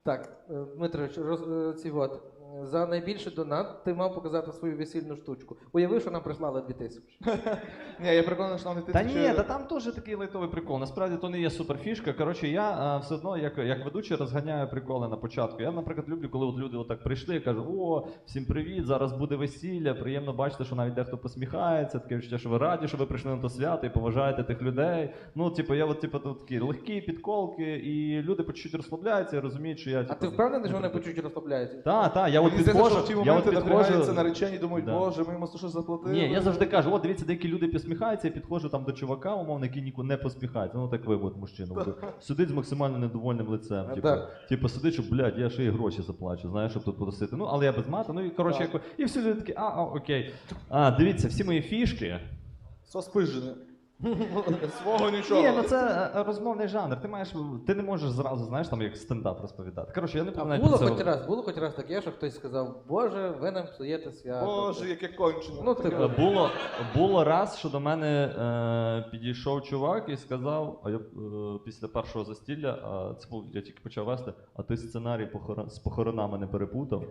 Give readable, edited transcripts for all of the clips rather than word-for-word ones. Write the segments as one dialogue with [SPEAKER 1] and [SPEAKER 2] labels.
[SPEAKER 1] Так, Дмитрович, за найбільший донат ти мав показати свою весільну штучку. Уяви, що нам прислали 2000.
[SPEAKER 2] Ні, я переконаний, що нам не
[SPEAKER 3] Та
[SPEAKER 2] 1000...
[SPEAKER 3] ні, та там теж такий лайтовий прикол. Насправді то не є суперфішка. Коротше, я все одно, як ведучий, розганяю приколи на початку. Я, наприклад, люблю, коли от люди отак прийшли і кажуть: о, всім привіт, зараз буде весілля, приємно бачити, що навіть дехто посміхається, таке відчуття, що ви раді, що ви прийшли на то свято і поважаєте тих людей. Ну, типу, я от, типу, такі легкі підколки, і люди по чуть-чуть розслабляються і розуміють, що я,
[SPEAKER 1] А
[SPEAKER 3] типу,
[SPEAKER 1] ти впевнений, що вони по чуть розслабляються?
[SPEAKER 3] Так, я от
[SPEAKER 2] Мені здається, що
[SPEAKER 3] підходжу,
[SPEAKER 2] в ті
[SPEAKER 3] я от
[SPEAKER 2] моменти напрягаються
[SPEAKER 3] підходжу.
[SPEAKER 2] наречені, думають,
[SPEAKER 3] Да.
[SPEAKER 2] боже, ми йому щось заплатили.
[SPEAKER 3] Ні, я завжди кажу, от дивіться, деякі люди посміхаються, я підходжу там до чувака, умовно, який ніколи не посміхається. Ну так ви, от мужчина, сидить з максимально недовольним лицем. Типу сидить, що, блядь, я ще й гроші заплачу, знаєш, щоб тут посидіти. Ну, але я без мата, ну і коротше, і всі люди такі, окей. Дивіться, всі мої фішки.
[SPEAKER 2] Соспижене. Свого нічого.
[SPEAKER 3] Ні, ну це розмовний жанр. Ти не можеш зразу, знаєш, там як стендап розповідати. Коротше, я не
[SPEAKER 1] А
[SPEAKER 3] пам'ятаю.
[SPEAKER 1] було хоч раз таке, що хтось сказав: Боже, ви нам псуєте свято.
[SPEAKER 2] Боже, яке кончено.
[SPEAKER 1] Ну, типу.
[SPEAKER 3] Було раз, що до мене підійшов чувак і сказав, а я після першого застілля, це був, я тільки почав вести, а ти сценарій з похоронами не перепутав.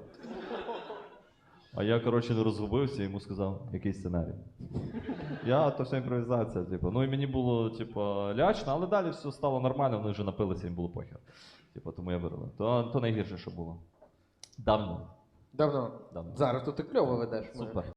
[SPEAKER 3] А я, коротше, не розгубився і йому сказав, який сценарій. То вся імпровізація, типу. Ну і мені було, типу, лячно, але далі все стало нормально, вони вже напилися, їм було похер. Типу, тому я вирвав. То найгірше, що було. Давно.
[SPEAKER 1] Давно. Зараз тут ти кльово ведеш.
[SPEAKER 3] Супер.